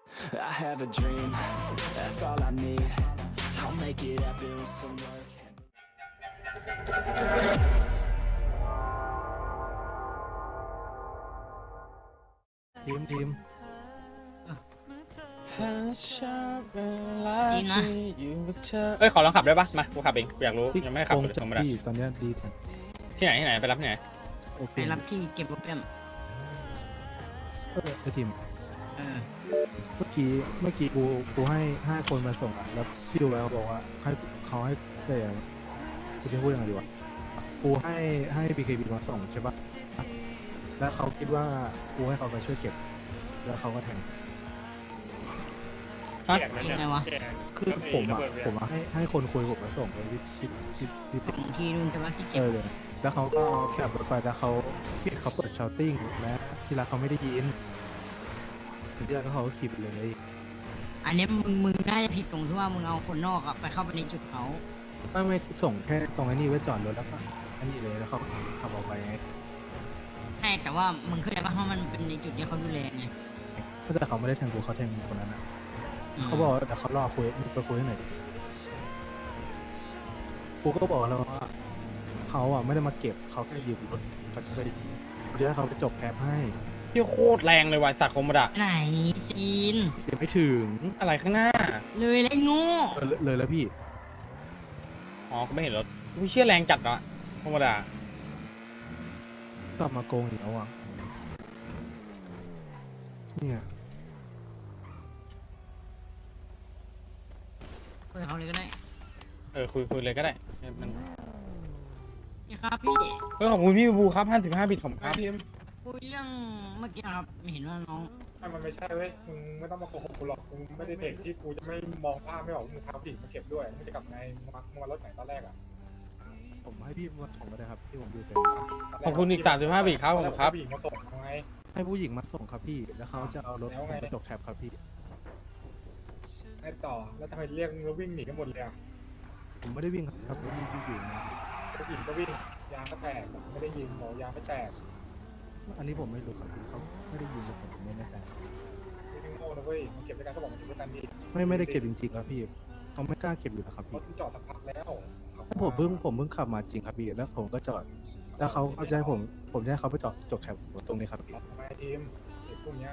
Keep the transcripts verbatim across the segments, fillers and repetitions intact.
I have a dream, that's all I need. I'll make it happen with some work. ทีมทีมจริงนะเอ้ยขอลองขับได้ปะมากูขับเองกูอยากรู้พี่ยังไม่ได้ขับโกงเลยจากธรรมดาพี่ตอนเนี้ยดีจังที่ไหนที่ไหนไปรับที่ไหนโอเคไปรับพี่เก็บรถเปี่ยมเออไอทีมเออเมื่อกี้เมื่อกี้กูกูให้ห้าคนมาส่งอ่ะแล้วพี่ดูแล้วบอกว่าให้เขาให้เดี๋ยวกูจะพูดยังไงดีวะกูให้ให้ บี เค บี มาส่งใช่ปะแล้วเขาคิดว่ากูให้เขาไปช่วยเก็บ แล้วเขาก็แทงฮะยังไงวะคือผมอ่ะผมอ่ะให้ให้คนคุยผมมาส่งไปที่ที่ที่ที่ส่งที่นู่นใช่ปะที่เอเก็บอเลยแล้วเขาก็แคบรถไปแล้วเขาพี่เขาเปิดชาวติ้งและที่รักเขาไม่ได้ยินที่รักเขาก็ขีดเลยอันเนี้ยมึงมึงน่าจะผิดตรงที่ว่ามึงเอาคนนอกอะไปเข้าไปในจุดเขาไม่ไม่ส่งแค่ตรงไอ้นี่ไว้จอดรถแล้วก็อันนี้เลยแล้วเขาขับออกไปไงใช่แต่ว่ามึงเข้าใจปะเพราะมันเป็นในจุดที่เขาดูแลไงถ้าแต่เขาไม่ได้แทงกูเขาแทงคนนั้นนะอืมเขาบอกว่าแต่เขารอคุยไปคุยให้หน่อยดิกูก็บอกแล้วว่าเขาอ่ะไม่ได้มาเก็บเขาแค่ยืมรถเขาจะไปกูจะให้เขาไปจบแคปให้ที่โคตรแรงเลยว่ะจากโคมดะไหนซีนเดี๋ยวไม่ถึงอะไรข้างหน้าเลยเลยงูเออเลยเลยแล้วพี่อ๋อกูไม่เห็นรถกูเชื่อแรงจัดเนาะโคมดะกลับมาโกงอีกแล้วอ่ะเนี่ยเปิดเขาเลยก็ได้เออคุยคุยเลยก็ได้มันนี่ครับพี่เฮ้ยขอบคุณพี่บูครับห้าสิบห้าบิตของครับคุยเรื่องเมื่อกี้ครับไม่เห็นว่าน้องไม่มันไม่ใช่เว้ย มึงไม่ต้องมาโกหกกูหรอก มึงไม่ได้เด็กที่กูจะไม่มองภาพไม่ออกว่ามึงพาผู้หญิงมาเก็บด้วย มึงจะกลับไงมึงมามึงมารถไหนตอนแรกอ่ะผมให้พี่มาส่งก็ได้ครับที่ผมดูเป็นขอบคุณอีกสามสิบห้าบิตครับผมครับผู้หญิงมาส่งทำไงให้ผู้หญิงมาส่งครับพี่แล้วเขาจะเอารถแล้วไงไปจบแคปครับพี่ไอ้ต่อ แล้วทำไมเรียกมึงแล้ววิ่งหนีกันหมดเลยอ่ะผมไม่ได้วิ่งครับผมวิ่งอยู่นะผู้หญิงก็วิ่ง ยางก็แตกไม่ได้ยิงบอกยางไม่แตกอันนี้ผมไม่รู้ครับพี่เขาไม่ได้ยินเลยผมไม่แน่ใจไม่โง่นะเว้ยมันเก็บด้วยกันก็บอกมันเก็บด้วยกันดีไม่ไม่ได้เก็บจริงๆครับพี่เขาไม่กล้าเก็บอยู่แล้วครับรพี่ถมึงจอดสักพักแล้วผมเพิ่งผมเพิ่งขับมาจริงครับพี่แล้วผมก็จอด แล้วเขาเขาจะให้ผมผมจะให้เขาไปจอดจบแคปตรงนี้ครับพี่ทำไมทีมเด็กพวกเนี้ย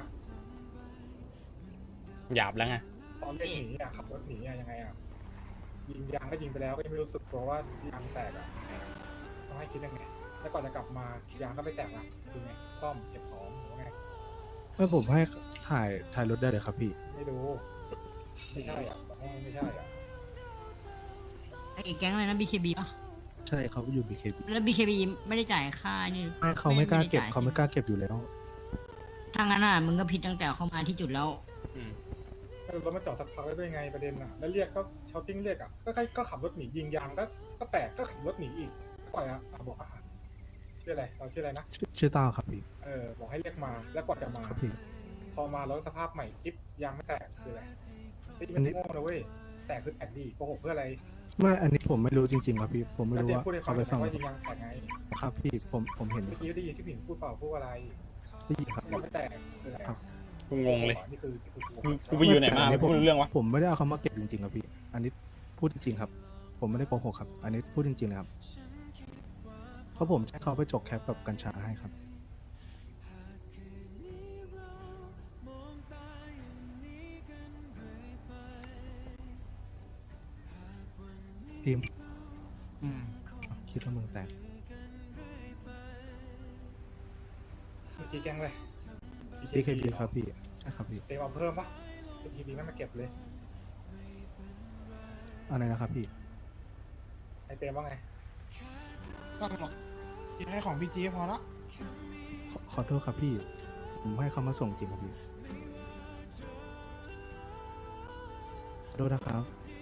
หยาบแล้วไงตอนเรียกหนีอ่ะขับรถหนีอ่ะยังไงอ่ะ ยิงยางก็ยิงไปแล้วก็ยังไม่รู้สึกตัวว่ายางแตกอ่ะต้องให้คิดยังไง แล้วก่อนจะกลับมายางก็ไม่แตกอ่ะคือไงซ่อมเก็บของหรือว่าไงเมื่อผมให้ถ่ายถ่ายรถได้เลยครับพี่ไม่รู้ไม่ใช่อ่ะบอกว่าไม่ใช่อ่ะไอ้แก๊งอะไรนะ บี เค บี ป่ะใช่เขาอยู่ บี เค บีแล้ว บี เค บี ไม่ได้จ่ายค่านี่ไม่เขาไม่กล้าเก็บด้จ่ยเขาไม่กล้าเก็บอยู่แล้วถ้างั้นอ่ะมึงก็ผิดตั้งแต่เข้ามาที่จุดแล้วอืมแล้วรถมาจอดสักพักแล้วได้ไงประเด็นอ่ะ แล้วเรียกก็เชาติ้งเรียกอ่ะ ก็แค่ก็ขับรถหนียิงยางก็ก็แตกก็ขับรถหนีอีกปล่อยอ่ะอ่ะบอกอ่ะชื่ออะไรเราชื่ออะไรนะชื่อชื่อต้าครับพี่เออบอกให้เรียกมาแล้วกว่าจะมาครับพี่พอมารถสภาพใหม่กิ๊บยางไม่แตกคืออะไรไอ้อันนี้นี่มันโง่นะเว้ยแตกคือแตกดีโกหกเพื่ออะไรไม่อันนี้ผมไม่รู้จริงๆครับพี่ ผมไม่รู้แล้วว่าเดี๋ยวพูดให้ฟัเขางไปหน่ฟัอง ยว่ายิงยางแตกไงครับพี่ผมผมเห็นเมื่อกี้ได้ยินที่ผู้หญิงพูดเปล่าพูดอะไรได้ยินครับยางไม่แตกคืออะไรครับกูงงเลยนี่คือคือกูกูไปอยู่ไหนมาไม่พูดเรื่องวะผมไม่ได้เอาเขามาเก็บจริงๆครับพี่ อันนี้พูดจริงๆครับ ผมไม่ได้โกหกครับ อันนี้พูดจริงๆเลยครับ เพราะผมให้เขาไปจกแคปกับกัญชาให้ครับ ทีมอืมคิดว่ามึงแตกเมื่อกี้แกล้งเลยบี เค บี ครับพี่ ใช่ครับพี่เต็มเอาเพิ่มปะ บี เค บี ไม่มาเก็บเลยอะไรนะครับพี่ไอเต็มว่าไงต้องหรอกกินให้ของพี่จีพอละขอขอโทษครับพี่ ผมให้เขามาส่งจริงครับพี่ ขอโทษนะครับ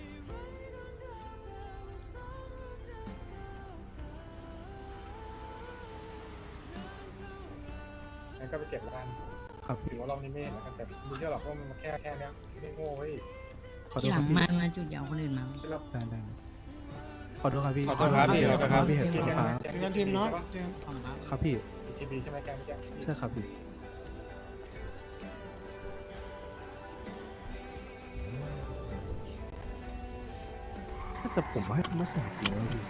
งั้นก็ไปเก็บแล้วกันครับถืพี่อว่ารอบนี้ไม่เห็นแล้วกันแต่ไม่เชื่อหรอกว่ามันแค่แค่เนี้ยไม่โง่เว้ยขอโททีษหคลัรับงพี่มามาจุดเดียวคนอื่นมาที่เราได้ได้ขอโทษครับพี่ขอโทษครับพี่ขอโทษครับพี่เห็นเกคมรับเจอกันทีมเนาะเจอกันขอบคุณครับครับพี่บี เค บี ใช่ไหมแกงเมื่อกี้ใช่ครับพี่แต่ผมให้เขามาส่งจริงนะพี่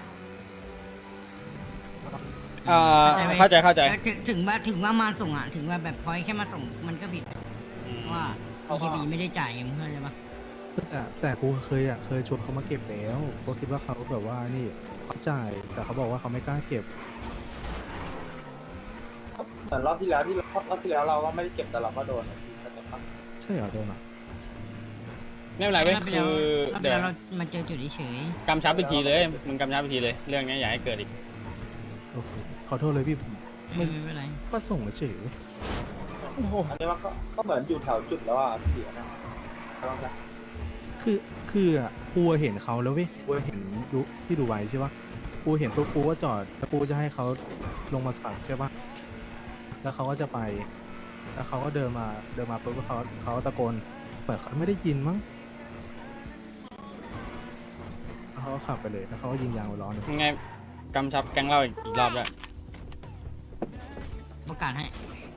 เอ่อเข้าใจเข้าใจแล้วถึงถึงว่าถึงว่ามาส่งอ่ะถึงว่าแบบพอยแค่มาส่งมันก็ผิดอืมเพราะว่าเขาก็บีไม่ได้จ่ายไงมึงเข้าใจปะแต่แต่กูเคยอ่ะเคยชวนเขามาเก็บแล้วกูคิดว่าเขาแบบว่านี่เขาจ่ายแต่เขาบอกว่าเขาไม่กล้าเก็บเหมือนรอบที่แล้วที่รอบรอบที่แล้วเราก็ไม่ได้เก็บแต่เราก็โดนอะพี่เข้าใจปะใช่เหรอโดนอ่ะไม่เป็นไรเว้ยรอบที่คืแล้วรอบอเดี๋ที่ยวแล้วเรามาเจอจุดเฉยกำชับอีกทีเลยมึงกำชับอีกทีเลย เรื่องนี้อย่าให้เกิดอีกโอเคขอโทษเลยพี่ผมๆไม่ไม่เป็นไรก็ส่งเฉยอันนี้มันก็ก็เหมือนอยู่แถวจุดแล้วอ่ะพี่นะลองนะคือคืออ่ะกูเห็นเขาแล้วเว้ยกูเห็นดูที่ดูไว้ใช่ปะกูเห็นปุ๊บกูก็จอดแล้วกูจะให้เขาลงมาสั่งใช่ปะแล้วเขาก็จะไป แล้วเขาก็เดินมาเดินมาปุ๊บเขาเขาตะโกนเปิดเขาไม่ได้ยินมั้งแล้วเขาก็ขับไปเลยแล้วเขาก็ยิงยางไปล้อหนึงยังไงกำชับแก๊งเราอีกอีกรอบด้วยประกาศให้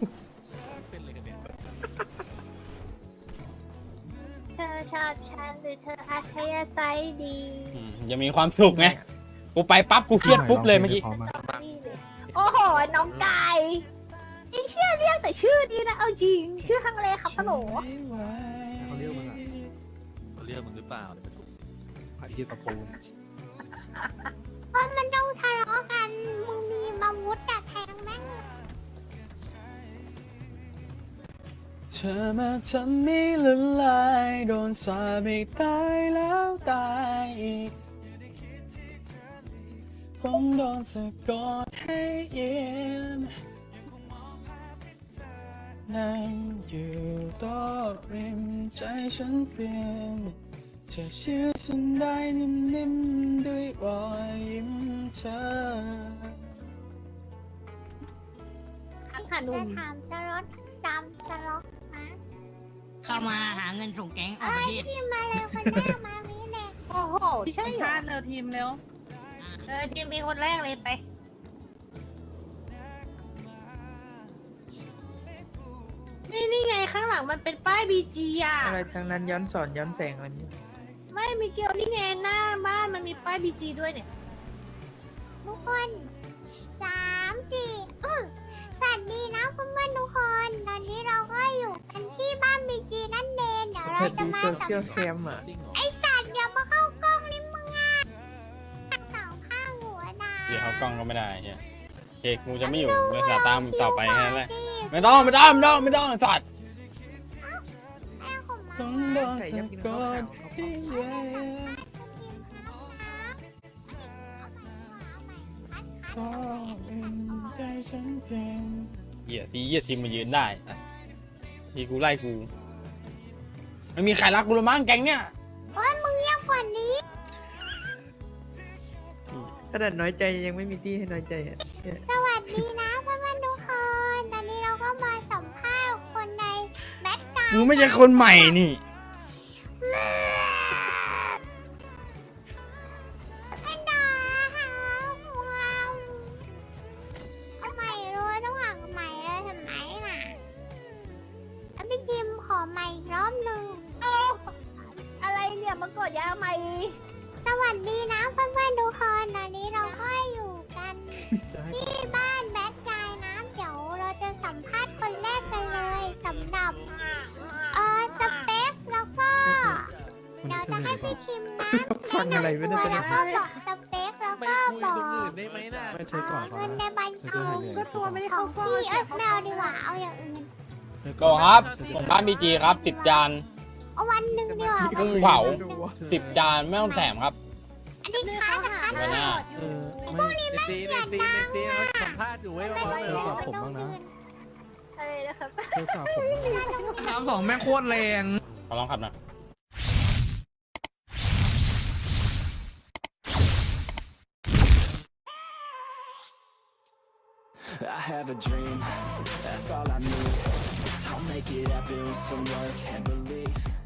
เธอชอบฉันหรือเธออัธยาศัยดีอืมอย่ามีความสุขไงกูไปปั๊บกูเครียดปุ๊บเลยเมื่อกี้พร้อมากนี่เลยโอ้โห น้องกายนี่เชื่อเรียกแต่ชื่อดีนะ เอาจริง ชื่อฮังเลครับฮัลโหลเขาเรียกมึงอ่ะเขาเรียกมึงหรือเปล่าเดี๋ยวมันไอ้เหี้ยตะปูเพราะมันต้องทะเลาะกัน มึงมีมาวุธอะแทงแม่งเธอมาทำให้ละลายโดนสาปให้ตายแล้วตายอีกผมโดนสะกดให้เย็นนั่งอยู่โต๊ะริมใจฉันเปลี่ยนเธอเชื่อฉันได้นิ่มๆด้วยรอยยิ้มเธอค่ะหนุ่มจะถามสล็อตจำสล็อตนะเข้ามาหาเงินส่งแก๊งออกประเทศที่มาเลยคนหน้ามามีเด็กโอ้โห ใช่เหรอเร็วทีมเร็วเออทีมเป็นคนแรกเลยไป นี่นี่ไงข้างหลังมันเป็นป้ายบีจีอ่ะอะไรทางนั้นย้อนสอนย้อนแสงอะไรนี้ไม่มีเกียวนี่ไงหน้าบ้านมันมีป้ายบีจีด้วยเนี่ย ทุกคนสามสี่อื้อสวัสดีนะเพื่อนๆทุกคน ตอนนี้เราก็อยู่กันที่บ้านบีจีนั่นเองเดี๋ยวเราเปิดจะดูมาโซสัเชียลมแคภาษณ์มอ่ะไอสัตว์อย่ามาเข้ากล้องนี่มึงอ่ะสองข้างหัวนะเดี๋ยวเขากล้องก็ไม่ได้เฮียเอกกูจะไม่อยู่บริษัทตามมึงต่อไปแค่นั้นแหละไม่ต้องไม่ต้องไม่ต้องไม่ต้องสัตว์แม่ของมาต้องโดนสะกดให้เย็นก็เป็นใจฉันเป็นเหี้ยทีเหี้ยทีมมายืนได้อะทีกูไล่กูไม่มีใครรักกูเลยมั้งแก๊งเนี้ยโอ้ยมึงเงียบกว่านี้ขนาดน้อยใจยังไม่มีที่ให้น้อยใจอ่ะเนี่ยสวัสดีนะเพื่อนๆทุกคน ตอนนี้เราก็มาสัมภาษณ์คนในแบทกามึงไม่ใช่คนใหม่นี่ไม่ด่าหาว้าวเอาใหม่เลยต้องหาใหม่เลยทำไมน่ะแล้วพี่จิมขอใหม่อีกรอบหนึ่งโอ้อะไรเนี่ยมากดยาใหม่ สวัสดีนะเพื่อนๆทุกคนตอนนี้เราก็อยู่กันจะให้ที่บ้านแบทกายนะเดี๋ยวเราจะสัมภาษณ์คนแรกกันเลยสำหรับเออสเปคแล้วก็เดี๋ยวจะให้พี่คิมนะฟังอะไรไม่ได้แนะจะนำตัวแล้วก็บอกสเปคแล้วก็บอกได้ไหมน่ะไม่เอใช่ก่อนอเขาเงินในนะบัญชีก็ตัวไม่ได้เข้ากล้องพี่เอ้ยไม่เอาดีกว่าเอาอย่างอื่นโกครับผมบ้านบีจีครับสิบจานเอาวันหนึ่งดีกว่ากุ้งเผาสิบจานไม่ต้องแถมครับอันนี้ค้านะคะเดี๋ยวนะเออไม่เนซีเนซีเนซีเขาสัมภาษณ์อยู่ไว้ไม่ว่าไม่เลยไม่ผมบ้างนะอะไรนะครับเธอสาวผมสามสองแม่งโคตรแรงขอลองขับหน่อย I have a dream, that's all I need. I'll make it happen with some work and belief.